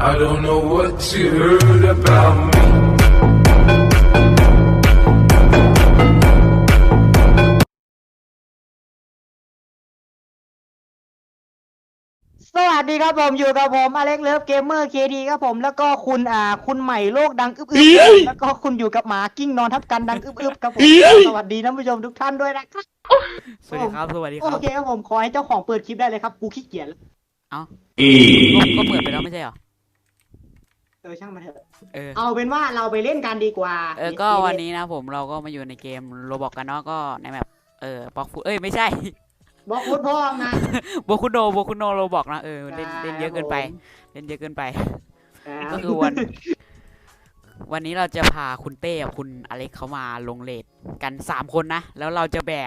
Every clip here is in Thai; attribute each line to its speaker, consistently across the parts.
Speaker 1: I don't know what you heard about me.
Speaker 2: สวัสดีครับผมอยู่กับผมอเล็กเลิฟเกมเมอร์เคดีครับผมแล้วก็คุณใหม่โลกดังอึบๆแล้วก็คุณอยู่กับหมากิ้งนอนทับกันดังอึบๆครับผมสวัสดีท่านผู้ชมทุกท่านด้วยนะครับ
Speaker 3: สวัสดีครับสวัสดีค
Speaker 2: โอ
Speaker 3: รับ
Speaker 2: เคครับผมขอให้เจ้าของเปิดคลิปได้เลยครับกูขี้เกียจแล้ว
Speaker 3: เอ้าก็เปิดไปแล้วไม่ใช่เหรอ
Speaker 2: ช่างมันเถอะ
Speaker 3: เออ
Speaker 2: เอาเป็นว่าเราไปเล่นกันดีกว่า
Speaker 3: ก็วันนี้นะผมเราก็มาอยู่ในเกมโรบอกกันเนาะก็ในแมปบล็อกฟูไม่ใช่
Speaker 2: บอกคุณพ่อนะ
Speaker 3: โบคุโนโรบอกนะเล่นเยอะเกินไปเล่นเยอะเกินไป ก็คือวันนี้เราจะพาคุณเต้กับคุณอเล็กเขามาลงเลทกัน3 คนนะแล้วเราจะแบก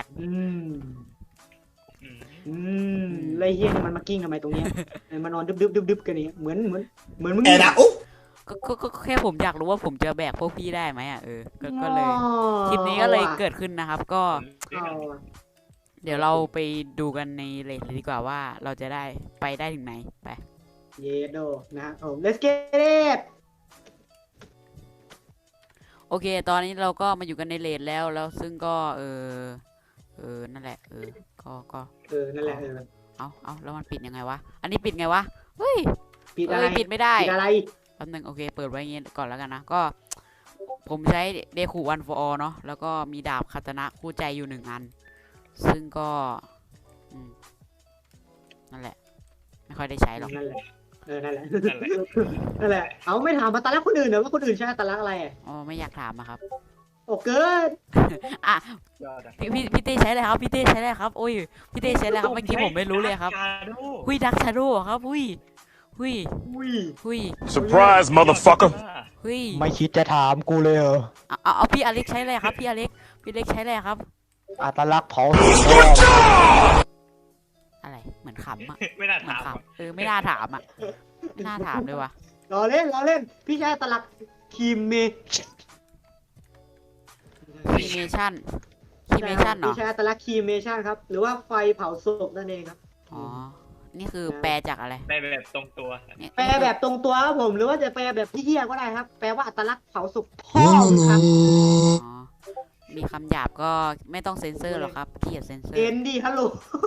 Speaker 2: เลยเฮี้ยนี่มันมากิ้งทำไมตรงเนี้ยมานอนดึบกันนี่เหมือนมึง
Speaker 4: แกนะอุ๊
Speaker 3: ก็แค่ผมอยากรู้ว่าผมจะแบกพวกพี่ได้ไหมก็เลยคลิปนี้ก็เลยเกิดขึ้นนะครับก็ เดี๋ยวเราไปดูกันในเลทเลยดีกว่าว่าเราจะไปได้ถึงไหนไป
Speaker 2: เยโดนะครับผม let's get it
Speaker 3: โอเคตอนนี้เราก็มาอยู่กันในเลทแล้วซึ่งก็นั่นแหละก็
Speaker 2: นั่นแหละ
Speaker 3: เอาแล้วมันปิดยังไงวะอันนี้ปิดไงวะเฮ้ย
Speaker 2: ปิดอะไร
Speaker 3: ปิดไม่ได้
Speaker 2: ปิดอะไร
Speaker 3: แป๊บนึงโอเคเปิดไว้อย่างงี้ก่อนแล้วกันนะก็ผมใช้เดคูวันฟอร์เนาะแล้วก็มีดาบคาตานะคู่ใจอยู่1 อันซึ่งก็นั่นแหละไม่ค่อยได้ใช้หรอก
Speaker 2: นั่นแหละนั่นแหละนั่นแหละเอาไม่ถามมาตาลักคนอื่นเหรอว่าคนอื่นใช้ตาลักอะไร
Speaker 3: อ๋อไม่อยากถามอะครับ
Speaker 2: โอ้เกิน
Speaker 3: อ่ะพี่เต้ใช้อะไรครับพี่เต้ใช้อะไรครับโอ้ยพี่เต้ใช้อะไรครับเมื่อกี้ผมไม่รู้เลยครับหุยดักชาโดครับหุย
Speaker 5: Surprise, motherfucker!
Speaker 3: หุย
Speaker 2: ไม่คิดจะถามกูเลยเหรอ
Speaker 3: เอาพี่อเล็กใช้อะไรครับพี่อเล็กใช้อะไรครับ
Speaker 2: อัตลักษณ์เผา
Speaker 3: อะไรเหมือนขำอะ
Speaker 4: ไม่น่า
Speaker 3: เหมือน
Speaker 4: ถาม
Speaker 3: ขำไม่น่าถามอะไม่น่าถามเลยวะ
Speaker 2: รอเล่นพี่ใช้อัตลักษณ์คีเม
Speaker 3: ชั่นเหรอ
Speaker 2: พี่ใช้อัตลักษณ์คีเมชั่นครับหรือว่าไฟเผาศพนั่นเองครับ
Speaker 3: อ๋อนี่คือแปลจากอะไร
Speaker 4: ได้แบบตรงตัว
Speaker 2: แปลแบบตรงตัวครับผมหรือว่าจะแปลแบบพี่เฮียก็ได้ครับแปลว่าอัตลักษณ์เผาศพพ่อครับ
Speaker 3: อ๋อมีคำหยาบก็ไม่ต้องเซ็นเซอร์หรอกครับพี่อย่าเซ็นเซอร์
Speaker 2: เอ็นดีฮัลโหล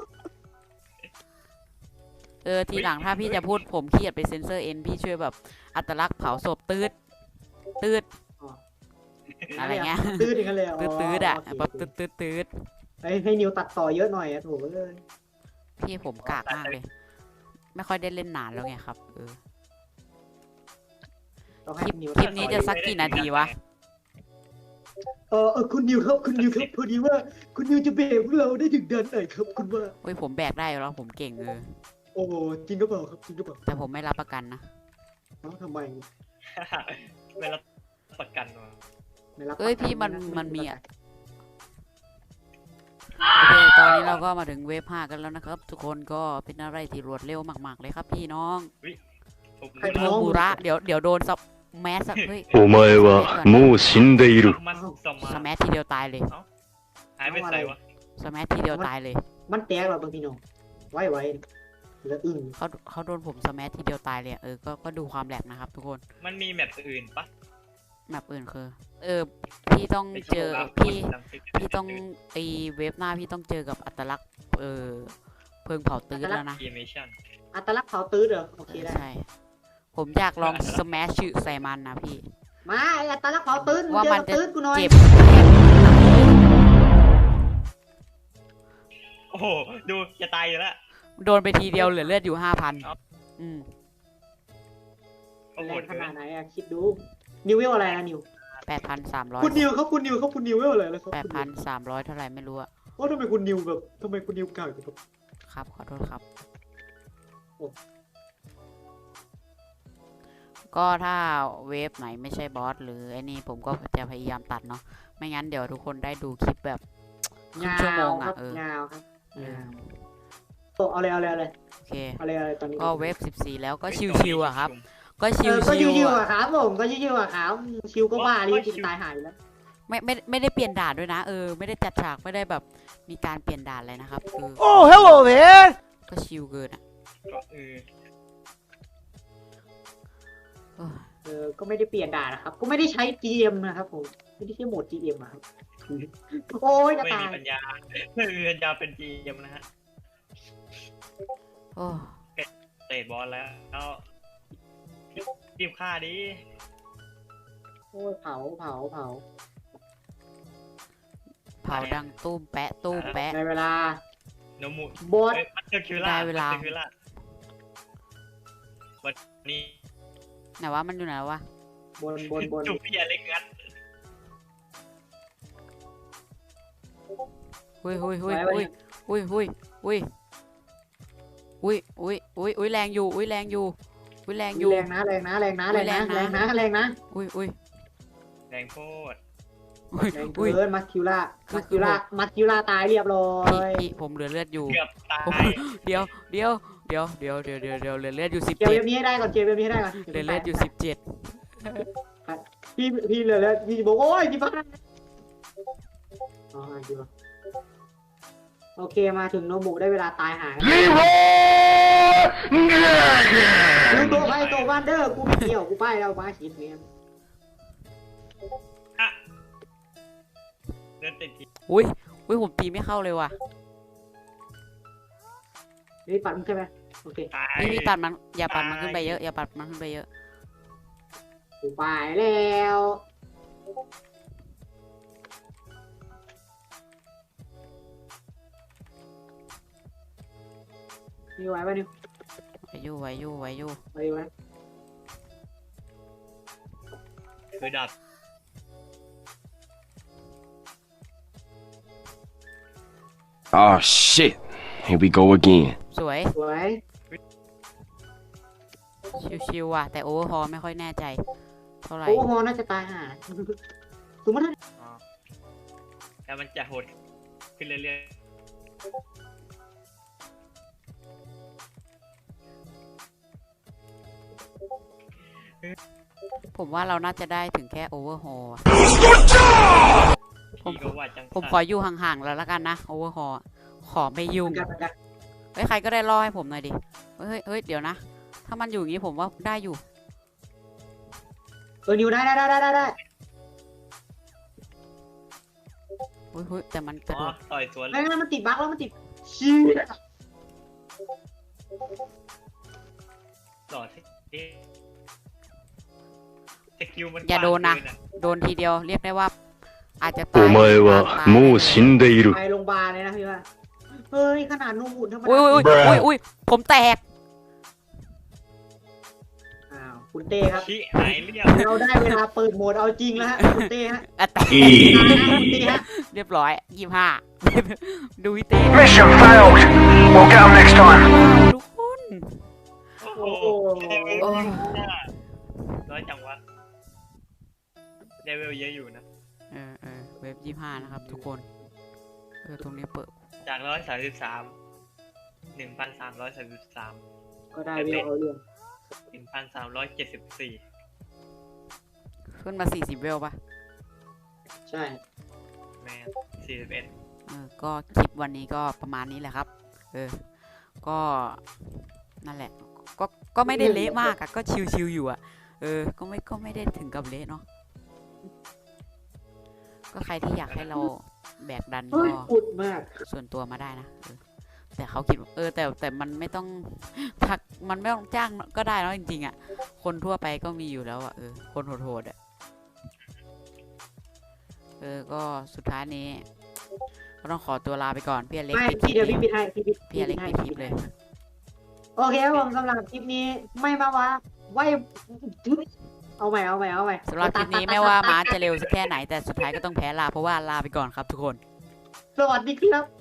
Speaker 3: ทีหลังถ้าพี่จะพูดผมขี้เกียจไปเซ็นเซอร์พี่ช่วยแบบอัตลักษณ์เผาศพตืดอะไรเงี้ย
Speaker 2: ตื้อกันเลย
Speaker 3: ตืดอะแบบตืด
Speaker 2: ให้นิวตัดต่อเยอะหน่อยอะถูกเลย
Speaker 3: พี่ผมกากมากเลย ไม่ค่อยได้เล่นนานแล้วไงครับคลิปนี้จะสักกี่นาทีวะ
Speaker 2: คุณนิวครับพอดีว่าคุณนิวจะเบรกพวกเราได้ถึงเดือนไหนครับคุณว่า
Speaker 3: เฮ้ยผมแบกได้แล้วผมเก่ง
Speaker 2: โอ้จริงก็เปล่าครับจริงก็เปล่า
Speaker 3: แต่ผมไม่รับประกันนะ
Speaker 2: ทำไม
Speaker 4: ไม่รับประกันวะ
Speaker 3: พี่มันมีอ่ะโอเคตอนนี้เราก็มาถึงเวฟ5กันแล้วนะครับ ทุกคนก็เป็นอะไรที่รวดเร็วมากๆเลยครับพี่น้องเทอร์บูระเดี๋ยวโดนซับแมสเฮ้ย
Speaker 5: お前はもう死んでいる。
Speaker 3: สแมสทีเดียวตายเลย
Speaker 4: หายไปใส่วะ
Speaker 3: สแมสทีเดียวตายเลย
Speaker 2: มันแตกหรอบางพี่น้องไว้แล้วอึ้ง
Speaker 3: เขาโดนผมสแมสทีเดียวตายเลยก็ดูความแหลกนะครับ ทุกคน
Speaker 4: มันมีแมปอื่นปะ
Speaker 3: แมปอื่นคือพี่ต้องเจอพี่ต้องเวฟหน้าพี่ต้องเจอกับอัตลักษณ์เพิงเผาตื้อแล้วนะ
Speaker 2: อัตลักษณ์เผาตื้อเหรอโอเคได้
Speaker 3: ใช่ผมอยากลองสแมชใส่มันนะพี่
Speaker 2: มาอัตลักษณ์เผาตื้อ
Speaker 3: ว่ามันจะ
Speaker 2: ตื้อกูหน่อย
Speaker 3: เจ็บ
Speaker 4: โอ้โหดูจะตายอยู่แล้ว
Speaker 3: โดนไปทีเดียวเหลือเลือดอยู่ 5,000
Speaker 4: โอ้โห
Speaker 2: ขนาดไหนอะคิดดูนิวเวลอะไรนะนิว
Speaker 3: 8,300
Speaker 2: คุณนิวเวลอะไรแล้วครับ
Speaker 3: 8,300เท่าไหร่ไม่รู้อะ
Speaker 2: ว่าทำไมคุณนิวกล้าอยู่ครับ
Speaker 3: ครับขอโทษครับ ก็ถ้าเวฟไหนไม่ใช่บอสหรือไอ้นี่ผมก็จะพยายามตัดเนาะไม่งั้นเดี๋ยวทุกคนได้ดูคลิปแบบครึ่งชั่วโมงอะ
Speaker 2: ยาวครับเอาเลย
Speaker 3: โอเค
Speaker 2: อะไรตอนนี้
Speaker 3: ก็เวฟ14แล้วก็ชิวๆอะครับก็ชิว
Speaker 2: อะครับผมก็ชิวอะครับชิวก็บ้าดิจิตตายหายแล้ว
Speaker 3: ไม่ได้เปลี่ยนด่านด้วยนะไม่ได้จัดฉากไม่ได้แบบมีการเปลี่ยนด่านเลยนะครับ
Speaker 2: โอ้ hello man
Speaker 3: ก็ชิวเกินอะ
Speaker 2: ก็ไม่ได้เปลี่ยนด่านนะครับ ก็ไม่ได้ใช้ GM นะครับผมไม่ได้ใช้โหมด GM อะครับโอ้ยจะ
Speaker 4: ไม่
Speaker 2: ตา
Speaker 4: มี
Speaker 2: ย
Speaker 4: ปัญญาไม่มีปัญญาเป็นจีมนะฮะ
Speaker 3: โอ้
Speaker 4: เตะบอลแล้วรีบฆ่าดิ
Speaker 2: โอ้ยเผา
Speaker 3: เผาดังตุ้มแปะตุ้มแปะ
Speaker 2: ในเวลา
Speaker 4: โนมุ
Speaker 2: บอส
Speaker 4: มันเจอคิวล่า
Speaker 3: ได้เวลา
Speaker 4: มันจอคิวล่าวันนี้
Speaker 3: ไหนวะมันอยู่ไหนวะ
Speaker 2: บน
Speaker 4: จูพี่อเล็กงัด
Speaker 3: หุยแรงอยู่แรงอยู่
Speaker 2: แรงนะแรงนะ
Speaker 3: แรง
Speaker 4: โคตร
Speaker 2: แรงเกินมัสคิวล่าตายเรียบร้อย
Speaker 3: พี่ผมเหลือเลือดอยู่
Speaker 4: เกือบตาย
Speaker 3: เดี๋ยวเหลือเลือดอยู่17
Speaker 2: เก็บเว็บนี้ให้ได้ก่อน
Speaker 3: เหลือเลือดอยู่17
Speaker 2: พี่เหลือแล้วพี่บอกโอ้ยพี่บ้าอ๋อดีว่ะโอเคมาถึงโนบุได้เวลาตายหายดูตัวไปตัววันเดอร์กูไม่เกี่ยวกูไปแล้วมาคิดเมีย
Speaker 4: เดินติดที
Speaker 3: อุ้ยผมตีไม่เข้าเลยว่ะ
Speaker 2: นี่ปัดมึงใช่ไหมโอเค
Speaker 4: ตาย
Speaker 3: พี่ปัดมันอย่าปัดมันขึ้นไปเยอะอย่าปัดมันขึ้นไปเยอะ
Speaker 2: กูไปแล้วนี่ไหวป่ะนิว
Speaker 3: ไหวอยู่
Speaker 2: ไหวอยู่ไหม
Speaker 4: คือดับ
Speaker 5: Oh shit. Here we go again.
Speaker 3: สวย
Speaker 2: สวย
Speaker 3: ชิวๆว่ะแต่โอเวอร์ฮอลไม่ค่อยแน่ใจเท่าไหร่
Speaker 2: โอ้โหน่าจะตายห่าสมมติถ้า
Speaker 4: อ๋อแต่มันจะโหดขึ้นเรื่อย
Speaker 3: ผมว่าเราน่าจะได้ถึงแค่โอเวอร์ฮอล
Speaker 4: ๆ
Speaker 3: ผม
Speaker 4: พี่ก็ว่าจัง
Speaker 3: ผมขออยู่ห่างๆแล้วละกันนะโอเวอร์ฮอลขอไม่ยุ่ง
Speaker 2: กัน
Speaker 3: เฮ้ยใครก็ได้ล่อให้ผมหน่อยดิเฮ้ยเดี๋ยวนะ ถ้ามันอยู่อย่างนี้ผมว่าได้อยู่
Speaker 2: นิวได้
Speaker 3: เฮ้ยแต่มันกระ
Speaker 4: อ๋
Speaker 3: โด
Speaker 4: อ
Speaker 3: ด
Speaker 4: ต่อยสวนเล
Speaker 2: ไม่
Speaker 4: ย
Speaker 2: งั้นมันติดบั๊กแล้วมันติดชี้
Speaker 4: ต่อสิสกิลมัน
Speaker 3: อย่าโดนนะ
Speaker 4: กว้างเกิ
Speaker 3: โดนทีเดียวเรียกได้ว่า อาจจะตาย
Speaker 5: お前はもう死んでいる
Speaker 2: ไปโรงพยาบาลเลยนะพี่ว่าเฮ้ยขนาดนูบุญธรรมดา
Speaker 3: อุ้ยผมแตก
Speaker 2: อ้าวคุณเต้ครับ
Speaker 4: ชี้หายเรียบ
Speaker 2: เราได้เวลาเปิดโหมดเอาจริงแล้วฮะคุณเต้ฮะ
Speaker 3: อ่ะแตก
Speaker 2: คุณเต้ฮะ
Speaker 3: เรียบร้อย25 ดูวิเต้
Speaker 5: Mission failed. We'll get them next time.
Speaker 3: ทุกคน
Speaker 4: โอ้โห
Speaker 3: โอ้
Speaker 4: น้อยจังวะเลเวลเยอะอยู่นะ
Speaker 3: เว็บ25นะครับทุกคนตรงนี้เปิด
Speaker 4: จาก133
Speaker 2: ก็ได้เวลเอาเรื่อง
Speaker 4: 1,374
Speaker 3: ขึ้นมา40เวลป่ะ
Speaker 2: ใช่
Speaker 4: แมน41
Speaker 3: ก็คลิปวันนี้ก็ประมาณนี้แหละครับ ก็นั่นแหละ ก็ไม่ได้เละมากอะก็ชิวๆอยู่อะก็ไม่ได้ถึงกับเละเนาะ ก็ใครที่อยากให้เราแบกดัน
Speaker 2: เฮ้ย
Speaker 3: ก็
Speaker 2: อุดมาก
Speaker 3: ส่วนตัวมาได้นะแต่เขาคิดว่าแต่มันไม่ต้องทักมันไม่ต้องจ้างก็ได้เนาะจริงๆอะคนทั่วไปก็มีอยู่แล้วอะคนโหดๆอะก็สุดท้ายนี้ก็ต้องขอตัวลาไปก่อนพี่อเล็ก
Speaker 2: ไม่
Speaker 3: ปิดคลิ
Speaker 2: พี่เดี๋ยว
Speaker 3: ป
Speaker 2: พี่ปิดให้พี่
Speaker 3: อเล็กปิดคลิปเลย
Speaker 2: โอเคครับผมสำหรับคลิปนี้ไม่มาว่าไว้เอาใหม่
Speaker 3: สำหรับคลิปนี้ไม่ว่าม้าจะเร็วสักแค่ไหนแต่สุดท้ายก็ต้องแพ้ลาเพราะว่าลาไปก่อนครับทุกคน
Speaker 2: สวัสดีครับ